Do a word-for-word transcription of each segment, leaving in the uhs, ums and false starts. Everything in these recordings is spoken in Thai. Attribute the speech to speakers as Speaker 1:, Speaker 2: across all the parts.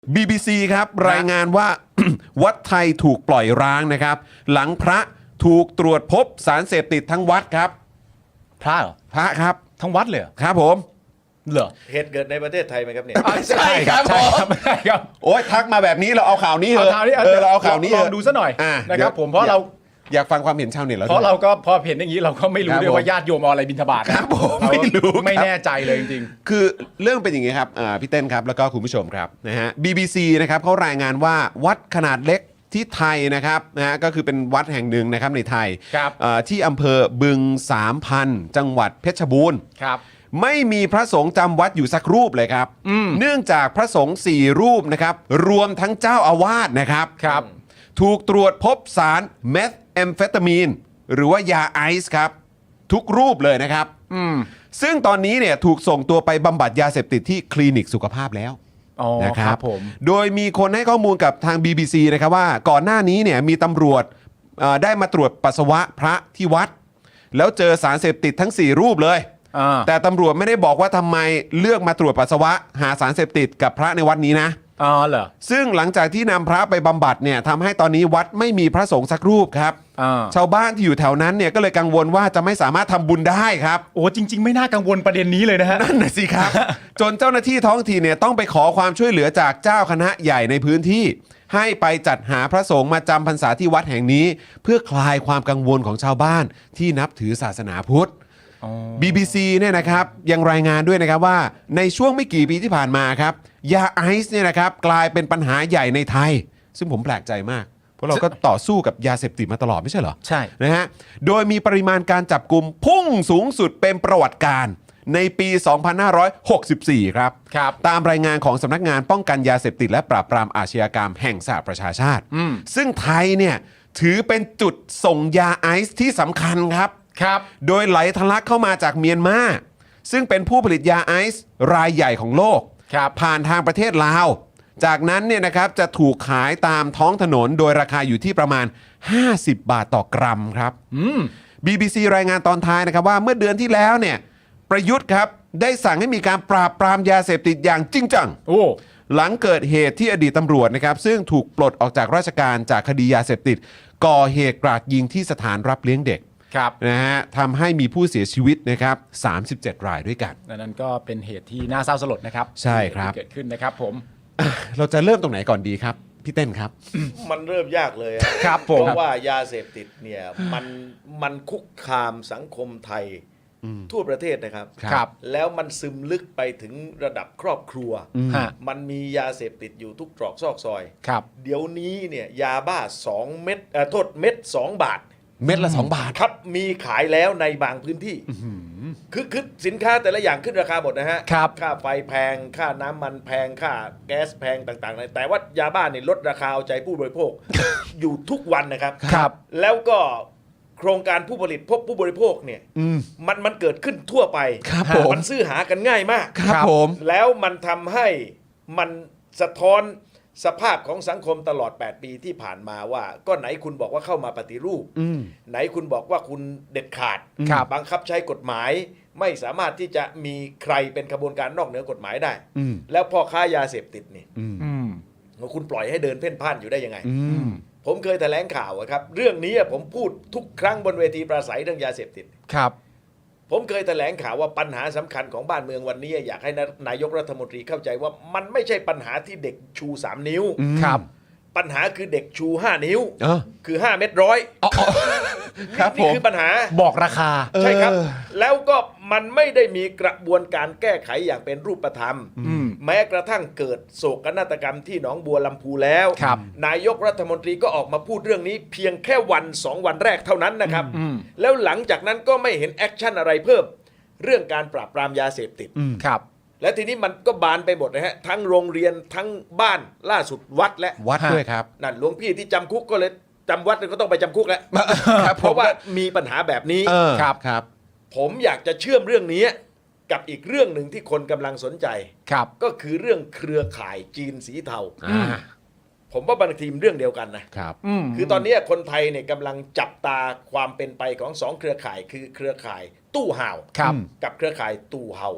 Speaker 1: บี บี ซี ครับรายงานว่า วัดไทยถูกปล่อยร้างนะครับหลังพระถูกตรวจพบสารเสพติดทั้งวัดครับ
Speaker 2: พระเหรอ
Speaker 1: พระครับ
Speaker 2: ทั้งวัดเลย
Speaker 1: ครับผม
Speaker 2: เหรอ
Speaker 3: เหตุเกิดในประเทศไทยไหมครับเนี่ย
Speaker 1: ใช่ครับผม
Speaker 2: ใช่ครับ
Speaker 1: โอ้ยทักมาแบบนี้เราเอาข่าวนี้เถอะเออเราเอาข่าวนี้
Speaker 2: ลองดูซะหน่อยนะครับผมเพราะเรา
Speaker 1: อยากฟังความเห็นชาวเน็ตแล้ว
Speaker 2: เพราะเราก็พอเห็นอย่างนี้เราก็ไม่รู้ด้วยว่าญาติโยมเอาอะไรบิณฑบาต
Speaker 1: ครับผมไม่รู้
Speaker 2: ไม่แน่ใจเลยจริง
Speaker 1: ๆคือเรื่องเป็นอย่างนี้ครับพี่เต้นครับแล้วก็คุณผู้ชมครับนะฮะ บี บี ซี นะครับเขารายงานว่าวัดขนาดเล็กที่ไทยนะครับนะฮะก็คือเป็นวัดแห่งหนึ่งนะครับในไทยที่อำเภอบึงสามพันจังหวัดเพชรบูรณ์
Speaker 2: ครับ
Speaker 1: ไม่มีพระสงฆ์จำวัดอยู่สักรูปเลยครับเนื่องจากพระสงฆ์สี่รูปนะครับรวมทั้งเจ้าอาวาสนะครับ
Speaker 2: ครับ
Speaker 1: ถูกตรวจพบสารเมทแอมเฟตามีนหรือว่ายาไอซ์ครับทุกรูปเลยนะครับซึ่งตอนนี้เนี่ยถูกส่งตัวไปบำบัดยาเสพติดที่คลินิกสุขภาพแล้วนะครับผมโดยมีคนให้ข้อมูลกับทาง บี บี ซี นะครับว่าก่อนหน้านี้เนี่ยมีตำรวจได้มาตรวจปัสสาวะพระที่วัดแล้วเจอสารเสพติดทั้งสี่รูปเลยแต่ตำรวจไม่ได้บอกว่าทำไมเลือกมาตรวจปัสสาวะหาสารเสพติดกับพระในวัดนี้นะ
Speaker 2: อ๋อเหรอ
Speaker 1: ซึ่งหลังจากที่นำพระไปบำบัดเนี่ยทำให้ตอนนี้วัดไม่มีพระสงฆ์สักรูปครับชาวบ้านที่อยู่แถวนั้นเนี่ยก็เลยกังวลว่าจะไม่สามารถทำบุญได้ครับ
Speaker 2: โอ้จริงๆไม่น่ากังวลประเด็นนี้เลยนะฮะ
Speaker 1: นั่นน่ะสิครับ จนเจ้าหน้าที่ท้องถิ่นเนี่ยต้องไปขอความช่วยเหลือจากเจ้าคณะใหญ่ในพื้นที่ให้ไปจัดหาพระสงฆ์มาจำพรรษาที่วัดแห่งนี้เพื่อคลายความกังวลของชาวบ้านที่นับถือศาสนาพุทธบี บี ซี เนี่ยนะครับยังรายงานด้วยนะครับว่าในช่วงไม่กี่ปีที่ผ่านมาครับยาไอซ์เนี่ยนะครับกลายเป็นปัญหาใหญ่ในไทยซึ่งผมแปลกใจมากเพราะเราก็ต่อสู้กับยาเสพติดมาตลอดไม่ใช่เหรอ
Speaker 2: ใช่
Speaker 1: นะฮะโดยมีปริมาณการจับกุมพุ่งสูงสุดเป็นประวัติการในปี สองพันห้าร้อยหกสิบสี่ ครับ
Speaker 2: ครับ
Speaker 1: ตามรายงานของสำนักงานป้องกันยาเสพติดและปราบปรามอาชญากรรมแห่งสหประชาชาติซึ่งไทยเนี่ยถือเป็นจุดส่งยาไอซ์ที่สำคัญครับ
Speaker 2: ครับ
Speaker 1: โดยไหลทะลักเข้ามาจากเมียนมาซึ่งเป็นผู้ผลิตยาไอซ์รายใหญ่ของโลกผ่านทางประเทศลาวจากนั้นเนี่ยนะครับจะถูกขายตามท้องถนนโดยราคาอยู่ที่ประมาณห้าสิบบาทต่อกรัมครับ บี บี ซี รายงานตอนท้ายนะครับว่าเมื่อเดือนที่แล้วเนี่ยประยุทธ์ครับได้สั่งให้มีการปราบปรามยาเสพติดอย่างจริงจังหลังเกิดเหตุที่อดีตตำรวจนะครับซึ่งถูกปลดออกจากราชการจากคดียาเสพติดก่อเหตุกราดยิงที่สถานรับเลี้ยงเด็กนะฮะทำให้มีผู้เสียชีวิตนะครับสามสิบเจ็ดรายด้วยกัน
Speaker 2: นั่นก็เป็นเหตุที่น่าเศร้าสลดนะครับ
Speaker 1: ใช่ครับ
Speaker 2: ที่เกิดขึ้นนะครับผม
Speaker 1: เราจะเริ่มตรงไหนก่อนดีครับพี่เต้นครับ
Speaker 3: มันเริ่มยากเลย
Speaker 2: ครับผม
Speaker 3: เพราะว่ายาเสพติดเนี่ยมันมันคุกคามสังคมไทยทั่วประเทศนะครับ
Speaker 2: ครับ
Speaker 3: แล้วมันซึมลึกไปถึงระดับครอบครัวมันมียาเสพติดอยู่ทุกตรอกซอกซอย
Speaker 2: ครับ
Speaker 3: เดี๋ยวนี้เนี่ยยาบ้าสองเม็ดเอ่อโทษเม็ดสองบาท
Speaker 1: เม็ดละสองบาท
Speaker 3: ครับมีขายแล้วในบางพื้นที่คือคือสินค้าแต่ละอย่างขึ้นราคาหมดนะฮะค่าไฟแพงค่าน้ำมันแพงค่าแก๊สแพงต่างๆแต่ว่ายาบ้าเนี่ยลดราคาเอาใจผู้บริโภค อยู่ทุกวันนะครับ
Speaker 2: ครับ
Speaker 3: แล้วก็โครงการผู้ผลิตพบผู้บริโภคเนี่ยมันมันเกิดขึ้นทั่วไปมันซื้อหากันง่ายมาก
Speaker 1: ครับผม
Speaker 3: แล้วมันทำให้มันสะท้อนสภาพของสังคมตลอดแปดปีที่ผ่านมาว่าก็ไหนคุณบอกว่าเข้ามาปฏิรูปไหนคุณบอกว่าคุณเด็ดขาดบังคับใช้กฎหมายไม่สามารถที่จะมีใครเป็นขบวนการนอกเหนือกฎหมายได้แล้วพ่อค้ายาเสพติดนี่คุณปล่อยให้เดินเพ่นพ่านอยู่ได้ยังไงผมเคยแถลงข่าวครับเรื่องนี้ผมพูดทุกครั้งบนเวทีปราศัยเรื่องยาเสพติด
Speaker 2: ครับ
Speaker 3: ผมเคยแถลงข่าวว่าปัญหาสำคัญของบ้านเมืองวันนี้อยากให้นายกรัฐมนตรีเข้าใจว่ามันไม่ใช่ปัญหาที่เด็กชูสามนิ้ว
Speaker 2: ครับ
Speaker 3: ปัญหาคือเด็กชูห้านิ้วคือห้าเม็ดร้อย
Speaker 1: ครับ
Speaker 3: นี่คือปัญหา
Speaker 2: บอกราคา
Speaker 3: ใช่ครับแล้วก็มันไม่ได้มีกระบวนการแก้ไขอย่างเป็นรูปธรรมแม้กระทั่งเกิดโศกนาฏกรรมที่หนองบัวลำพูแล้วนายกรัฐมนตรีก็ออกมาพูดเรื่องนี้เพียงแค่วันสองวันแรกเท่านั้นนะครับแล้วหลังจากนั้นก็ไม่เห็นแอคชั่นอะไรเพิ่มเรื่องการปราบปรามยาเสพติด
Speaker 2: ครับ
Speaker 3: และทีนี้มันก็บานไปหมดนะฮะทั้งโรงเรียนทั้งบ้านล่าสุดวัดและ
Speaker 1: วัดด้วยครับ
Speaker 3: นั่นหลวงพี่ที่จำคุกก็เลยจำวัดก็ต้องไปจำคุกแล้วเพราะว่ามีปัญหาแบบนี้
Speaker 1: ครับครับ
Speaker 3: ผมอยากจะเชื่อมเรื่องนี้กับอีกเรื่องหนึ่งที่คนกำลังสนใจ
Speaker 2: ครับ
Speaker 3: ก็คือเรื่องเครือข่ายจีนสีเทาผมว่าบางทีมเรื่องเดียวกันนะครับคือตอนนี้คนไทยเนี่ยกำลังจับตาความเป็นไปของสองเครือข่ายคือเครือข่ายตู้ห่าวกับเครือข่ายตู่เฮา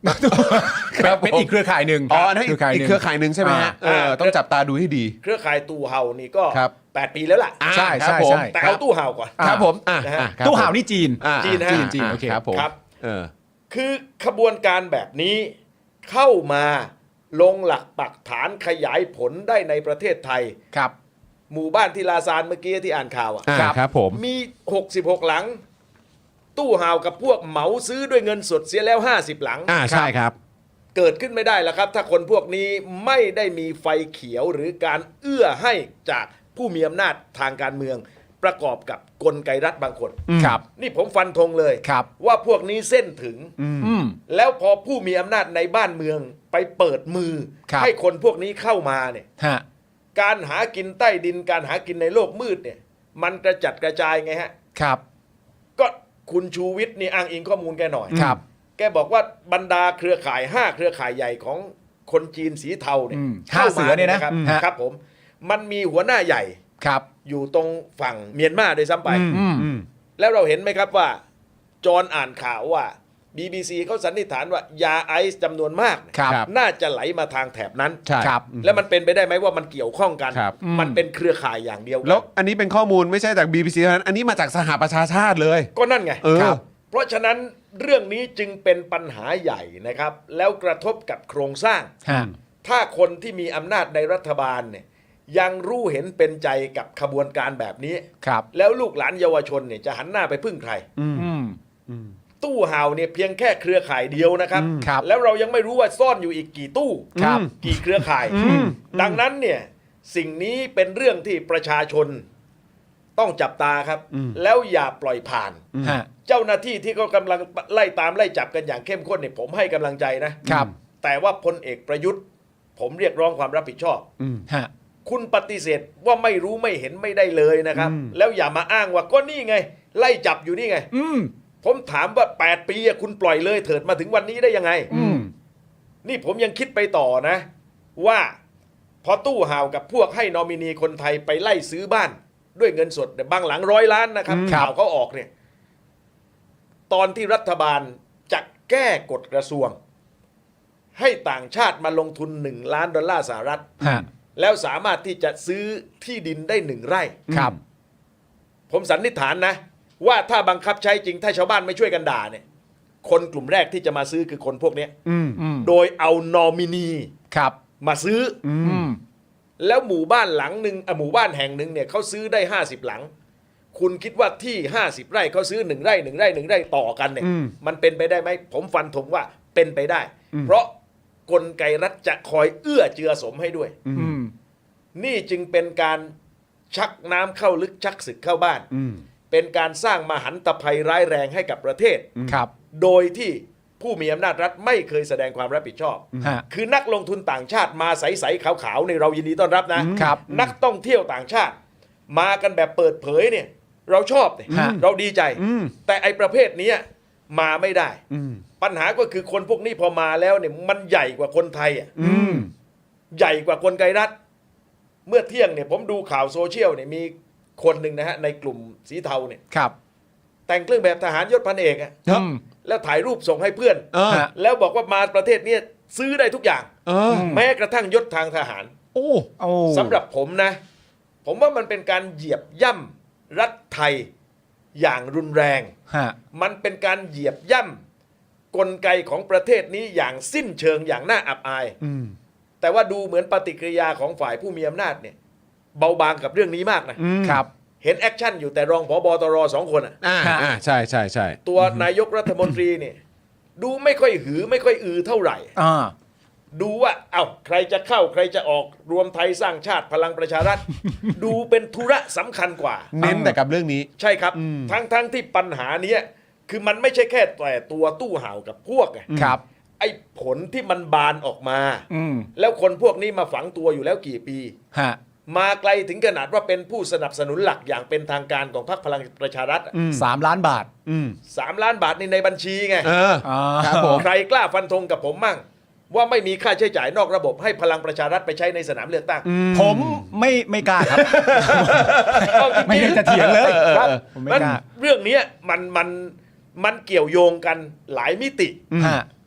Speaker 1: ครับ
Speaker 2: เป็น
Speaker 1: ผม
Speaker 2: อีกเครือข่ายหนึ่ง
Speaker 1: อ๋อนั่น
Speaker 2: เครือข่ายห
Speaker 1: อีก
Speaker 2: นึ่ง
Speaker 1: เครือข่ายหนึ่งใช่ไหมฮะ
Speaker 2: อ่า
Speaker 1: เออต้องจับตาดูให้ดี
Speaker 3: เครือข่ายตู้เห่านี่ก็
Speaker 1: ครับ
Speaker 3: แปดปีแล้วล่ะ
Speaker 1: อ่า
Speaker 2: ใช่
Speaker 1: ครับ
Speaker 2: ใช่
Speaker 1: ผม
Speaker 2: ใช่
Speaker 3: แต่เอาตู้เห่าก่อน
Speaker 1: ครับผมอ่ะ
Speaker 3: นะฮะ
Speaker 1: อ่ะครับ
Speaker 2: ตู้ห่าว
Speaker 1: ผม
Speaker 2: นี่จีน
Speaker 1: อ่า
Speaker 3: จีนฮะ
Speaker 1: จีน
Speaker 2: จีน
Speaker 1: อ่า
Speaker 2: โอเค
Speaker 1: ครับผม
Speaker 3: ครับ
Speaker 1: เออ
Speaker 3: คือขบวนการแบบนี้เข้ามาลงหลักปักฐานขยายผลได้ในประเทศไทย
Speaker 2: ครับ
Speaker 3: หมู่บ้านที่ลาซานเมื่อกี้ที่อ่านข่าวอ่ะ
Speaker 1: อ่า
Speaker 2: ครับ
Speaker 1: ครับผม
Speaker 3: มี หกสิบหก หลัง ตู้ห่าวกับพวกเหมาซื้อด้วยเงินสดเสียแล้ว ห้าสิบ หลัง
Speaker 1: อ่าใช่ครับ
Speaker 3: เกิดขึ้นไม่ได้แล้วครับ ถ้าคนพวกนี้ไม่ได้มีไฟเขียวหรือการเอื้อให้จากผู้มีอำนาจทางการเมือง ประกอบกับกลไกรัฐบางคน
Speaker 2: ครับ
Speaker 3: นี่ผมฟันธงเลย
Speaker 2: ครับ
Speaker 3: ว่าพวกนี้เส้นถึง
Speaker 2: อืม
Speaker 3: แล้วพอผู้มีอำนาจในบ้านเมืองไปเปิดมือ
Speaker 2: ครับ
Speaker 3: ให้คนพวกนี้เข้ามาเนี่ย
Speaker 2: ฮะ
Speaker 3: การหากินใต้ดินการหากินในโลกมืดเนี่ยมันกระจัดกระจายไงฮะ
Speaker 2: ครับ
Speaker 3: ก็คุณชูวิทย์นี่อ้างอิงข้อมูลแกหน่อย
Speaker 2: ครับ
Speaker 3: แกบอกว่าบรรดาเครือข่ายห้าเครือข่ายใหญ่ของคนจีนสีเทาเนี่ย
Speaker 2: อืม
Speaker 3: เข้า
Speaker 2: ห้าเสื
Speaker 3: มา
Speaker 2: อเนี่ยนะ
Speaker 3: ครับ
Speaker 2: อืมฮะ
Speaker 3: ครับผมมันมีหัวหน้าใหญ่
Speaker 2: ครับ
Speaker 3: อยู่ตรงฝั่งเมียนมาด้วยซ้ำไป
Speaker 2: อืม
Speaker 1: อืม
Speaker 3: แล้วเราเห็นไหมครับว่า จอห์นอ่านข่าวว่า บี บี ซี เขาสันนิษฐานว่ายาไอซ์จำนวนมากเนี่ย
Speaker 2: ครับ
Speaker 1: ครับ
Speaker 3: น่าจะไหลมาทางแถบนั้น
Speaker 1: ใช่
Speaker 2: ครับ
Speaker 3: แล้วมันเป็นไปได้ไหมว่ามันเกี่ยวข้องกัน
Speaker 1: ครับ
Speaker 3: มันเป็นเครือข่ายอย่างเดียวกัน
Speaker 1: แล้วอันนี้เป็นข้อมูลไม่ใช่จาก บี บี ซี เท่านั้น อันนี้มาจากสหประชาชาติเลย
Speaker 3: ก็นั่นไง
Speaker 1: เออ
Speaker 3: ครับเพราะฉะนั้นเรื่องนี้จึงเป็นปัญหาใหญ่นะครับ แล้วกระทบกับโครงสร้าง
Speaker 2: ฮะ
Speaker 3: ถ้าคนที่มีอำนาจในรัฐบาลเนี่ยยังรู้เห็นเป็นใจกับขบวนการแบบนี้
Speaker 2: ครับ
Speaker 3: แล้วลูกหลานเยาวชนเนี่ยจะหันหน้าไปพึ่งใคร
Speaker 2: อืม
Speaker 3: ตู้ห่าวเนี่ยเพียงแค่เครือข่ายเดียวนะครับ
Speaker 2: ครับ
Speaker 3: แล้วเรายังไม่รู้ว่าซ่อนอยู่อีกกี่ตู้
Speaker 2: ครับ
Speaker 3: กี่เครือข่าย ดังนั้นเนี่ยสิ่งนี้เป็นเรื่องที่ประชาชนต้องจับตาครับ แล้วอย่าปล่อยผ่าน
Speaker 2: ฮะ
Speaker 3: เจ้าหน้าที่ที่เขากำลังไล่ตามไล่จับกันอย่างเข้มข้นเนี่ยผมให้กำลังใจนะครับ แต่ว่าพลเอกประยุทธ์ ผมเรียกร้องความรับผิดชอบ
Speaker 2: ฮะ
Speaker 3: คุณปฏิเสธว่าไม่รู้ไม่เห็นไม่ได้เลยนะครับ แล้วอย่ามาอ้างว่าก็นี่ไง ไล่จับอยู่นี่ไง
Speaker 2: อืม
Speaker 3: ผมถามว่า แปด ปีอะคุณปล่อยเลยเถิดมาถึงวันนี้ได้ยังไง
Speaker 2: อืม
Speaker 3: นี่ผมยังคิดไปต่อนะ ว่าพอตู้ห่าวกับพวกให้นอมินีคนไทยไปไล่ซื้อบ้าน ด้วยเงินสดเนี่ยบางหลังร้อยล้านนะครับ
Speaker 2: อืม
Speaker 3: ข่าวเขาออกเนี่ย ตอนที่รัฐบาลจะแก้กฎกระทรวง ให้ต่างชาติมาลงทุนหนึ่งล้านดอลลาร์สหรัฐ
Speaker 2: ฮะ
Speaker 3: แล้วสามารถที่จะซื้อที่ดินได้หนึ่งไร่
Speaker 2: ครับ
Speaker 3: ผมสันนิษฐานนะ ว่าถ้าบังคับใช้จริงถ้าชาวบ้านไม่ช่วยกันด่าเนี่ยคนกลุ่มแรกที่จะมาซื้อคือคนพวกเนี้ย
Speaker 1: อืม
Speaker 2: อืม
Speaker 3: โดยเอานอมินี
Speaker 2: ครับ
Speaker 3: มาซื้ออ
Speaker 2: อืม
Speaker 3: แล้วหมู่บ้านหลังหนึ่งอ่ะหมู่บ้านแห่งหนึ่งเนี่ยเขาซื้อได้ห้าสิบหลัง คุณคิดว่าที่ห้าสิบไร่เขาซื้อหนึ่งไร่หนึ่งไร่หนึ่งไร่ต่อกันเนี่ย
Speaker 1: อืม
Speaker 3: มันเป็นไปได้ไหมผมฟันธงว่าเป็นไปได้ เพราะกลไกรัฐจะคอยเอื้อเจือสมให้ด้วย
Speaker 2: อืม
Speaker 3: นี่จึงเป็นการชักน้ำเข้าลึกชักศึกเข้าบ้าน
Speaker 1: อืม
Speaker 3: เป็นการสร้างมหันตภัยร้ายแรงให้กับประเทศ
Speaker 2: ครับ
Speaker 3: โดยที่ผู้มีอำนาจรัฐไม่เคยแสดงความรับผิดชอบ
Speaker 2: ฮะ
Speaker 3: คือนักลงทุนต่างชาติมาใสๆขาวๆในเรายินดีต้อนรับนะ
Speaker 2: ครับ
Speaker 3: นักท่องเที่ยวต่างชาติ มากันแบบเปิดเผยเนี่ย เราชอบเนี่ย
Speaker 2: ฮะ
Speaker 3: เราดีใจ
Speaker 1: อืม
Speaker 3: แต่ไอประเภทเนี้ยมาไม่ได้
Speaker 1: อืม
Speaker 3: ปัญหาก็คือคนพวกนี้พอมาแล้วเนี่ยมันใหญ่กว่าคนไทยอ่ะ
Speaker 1: อืม
Speaker 3: ใหญ่กว่ากลไกรัฐ เมื่อเที่ยงเนี่ยผมดูข่าวโซเชียลเนี่ยมีคนหนึ่งนะฮะในกลุ่มสีเทาเนี่ย
Speaker 2: ครับ
Speaker 3: แต่งเครื่องแบบทหารยศพันเอกอะ
Speaker 1: ครับ
Speaker 2: อืม
Speaker 3: แล้วถ่ายรูปส่งให้เพื่อน
Speaker 1: เออ
Speaker 2: ฮะ
Speaker 3: แล้วบอกว่ามาประเทศเนี้ยซื้อได้ทุกอย่าง
Speaker 1: เออ
Speaker 3: แม้กระทั่งยศทางทหาร
Speaker 1: โอ้
Speaker 2: โอ้
Speaker 3: สำหรับผมนะ ผมว่ามันเป็นการเหยียบย่ำรัฐไทยอย่างรุนแรง
Speaker 2: ฮะ
Speaker 3: มันเป็นการเหยียบย่ำกลไกของประเทศนี้อย่างสิ้นเชิงอย่างน่าอับอาย
Speaker 1: อืม
Speaker 3: แต่ว่าดูเหมือนปฏิกิริยาของฝ่ายผู้มีอำนาจเนี่ยเบาบางกับเรื่องนี้มากนะ
Speaker 1: อืม
Speaker 2: ครับ
Speaker 3: เห็นแอคชั่นอยู่แต่รองผบตรสองคนอะ
Speaker 1: อ่าอ่าใช่ใช่ใช่
Speaker 3: ตัวนายกรัฐมนตรีเนี่ยดูไม่ค่อยหือไม่ค่อยอือเท่าไหร่
Speaker 2: อ่า
Speaker 3: ดูว่าเอ้าใครจะเข้าใครจะออกรวมไทยสร้างชาติพลังประชารัฐ ดูเป็นธุระสำคัญกว่า
Speaker 1: เน้นแต่กับเรื่องนี้
Speaker 3: ใช่ครับ
Speaker 1: อืม
Speaker 3: ทั้งทั้งที่ปัญหาเนี้ยคือมันไม่ใช่แค่แต่ตัวตู้ห่าวกับพวกไง
Speaker 2: ครับ
Speaker 3: ไอ้ผลที่มันบานออกมา
Speaker 2: อืม
Speaker 3: แล้วคนพวกนี้มาฝังตัวอยู่แล้วกี่ปี
Speaker 2: ฮะ
Speaker 3: มาไกลถึงขนาดว่าเป็นผู้สนับสนุนหลักอย่างเป็นทางการของพรรคพลังประชารัฐอะ
Speaker 2: สามล้านบาท
Speaker 1: อืม
Speaker 3: สามล้านบาทนี่ในบัญชีไง
Speaker 1: เออ
Speaker 2: อ่า
Speaker 1: ครับผม
Speaker 3: ใครกล้าฟันธงกับผมมั่ง ว่าไม่มีค่าใช้จ่ายนอกระบบให้พลังประชารัฐไปใช้ในสนามเลือกตั้ง
Speaker 2: ผมไม่ไม่กล้าครับ
Speaker 3: เอาจริงๆ
Speaker 2: ไม่ได้จะเถียงเลย
Speaker 3: ครับ
Speaker 2: ผมไม่
Speaker 3: มัน
Speaker 2: กล้า
Speaker 3: เรื่องเนี้ยมันมันมันเกี่ยวโยงกันหลายมิติ
Speaker 2: ฮะ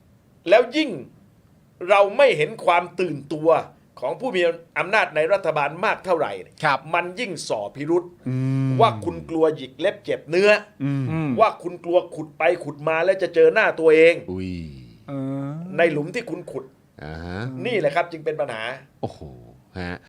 Speaker 3: แล้วยิ่งเราไม่เห็นความตื่นตัวของผู้มีอำนาจในรัฐบาลมากเท่าไหร่
Speaker 2: ครับ
Speaker 3: มันยิ่งส่อพิรุษว่าคุณกลัวหยิกเล็บเจ็บเนื้ออ
Speaker 2: ม
Speaker 3: ว่าคุณกลัวขุดไปขุดมาแล้วจะเจอหน้าตัวเอง
Speaker 1: อุ้ย
Speaker 2: เออ
Speaker 3: ในหลุมที่คุณขุด
Speaker 1: อ่าฮะ
Speaker 3: นี่แหละครับจึงเป็นปัญหา
Speaker 1: โอ้โหฮะ